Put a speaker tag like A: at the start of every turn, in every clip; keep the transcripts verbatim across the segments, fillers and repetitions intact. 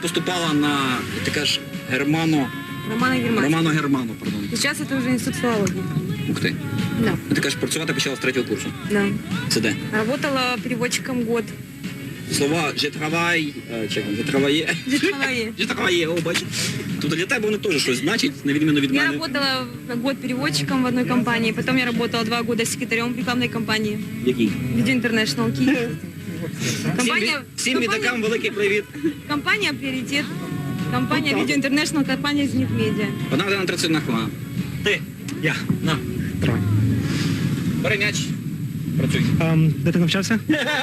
A: поступала на, ти кажеш, Германо...
B: Романа Германа.
A: Романо Германо, пардон.
B: Сейчас это уже институт филологии.
A: Ух ти.
B: Да.
A: Ти кажеш, працювати почала з третього курсу.
B: Да.
A: Це де?
B: Работала переводчиком год.
A: Слова «je travaille», е, чи «je travaille»,
B: Житомирі.
A: «je travaille», о, бачиш. Тобто для тебе вони теж щось значить, на відміну від
B: Я
A: мене.
B: работала год переводчиком в одной компании, потом я работала два года секретарем в рекламной компании.
A: Який?
B: Video International Key.
A: Всім,
B: Компания,
A: ві- всім відакам великий привіт.
B: компания «Приоритет». Компания Video International, компания «Зенит Медиа».
A: Одна година тридцять одна хвилина. Ти,
C: Я.
A: на,
C: Трой.
A: бери м'яч, працюй.
C: Ем, де ти навчався?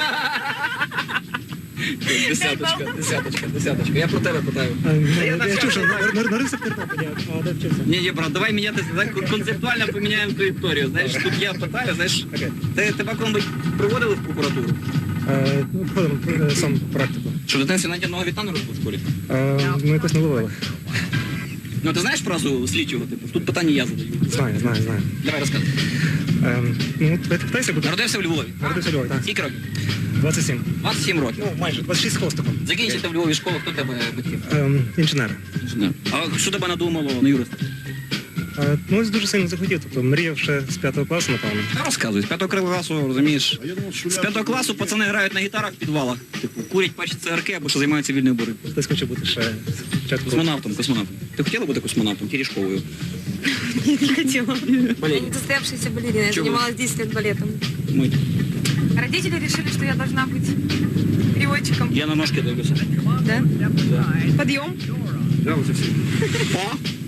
A: Десяточка, десяточка, десяточка. Я про тебе питаю.
C: Ем,
A: Та я
C: Я
A: навчався.
C: чув, що нар- нар- народився в Тернополі, а де вчився?
A: Ні, ні, брат, давай мінятися, так концептуально поміняємо траєкторію. Знаєш, тут я питаю, знаєш,
C: Окей.
A: ти, тебе коли приводили в прокуратуру?
C: Е, ну, Проходимо е, сам практику.
A: Що в дитинстві навіть одного віта не робив в школі?
C: Е, Ну, якось не ловили.
A: Ну, ти знаєш фразу слідчого, типу? Тут питання я задаю.
C: Знаю, знаю, знаю.
A: Давай розказуй.
C: Ем, Ну, ти питайся, буде.
A: Народився в Львові.
C: Народився в Львові, так.
A: Скільки років?
C: двадцять сім.
A: двадцять сім років.
C: Ну, майже. двадцять шість з хвостиком.
A: Закінчити в Львові школу, хто тебе батьків?
C: Ем, Інженер.
A: Інженер. А що тебе надумало на юриста?
C: Е, Ну, ось дуже сильно захотів. Тобто мріяв ще з п'ятого класу, напевно.
A: Та розказуй, з п'ятого класу, розумієш, з п'ятого класу пацани грають на гітарах в підвалах, типу, курять пачі цигарки або що займаються вільною боротьбою.
C: Хтось хоче бути ще спочатку.
A: Космонавтом, космонавтом. Ти хотіла бути космонавтом, Терешковою?
B: Не хотела. Я
A: Блин.
B: не состоявшаяся балерина, я
A: Чего?
B: занималась десять лет балетом.
A: Ми.
B: Родители решили, что я должна быть переводчиком.
A: Я на ножки дивлюся.
B: Да? Подъем.
A: Да, оце всі. О!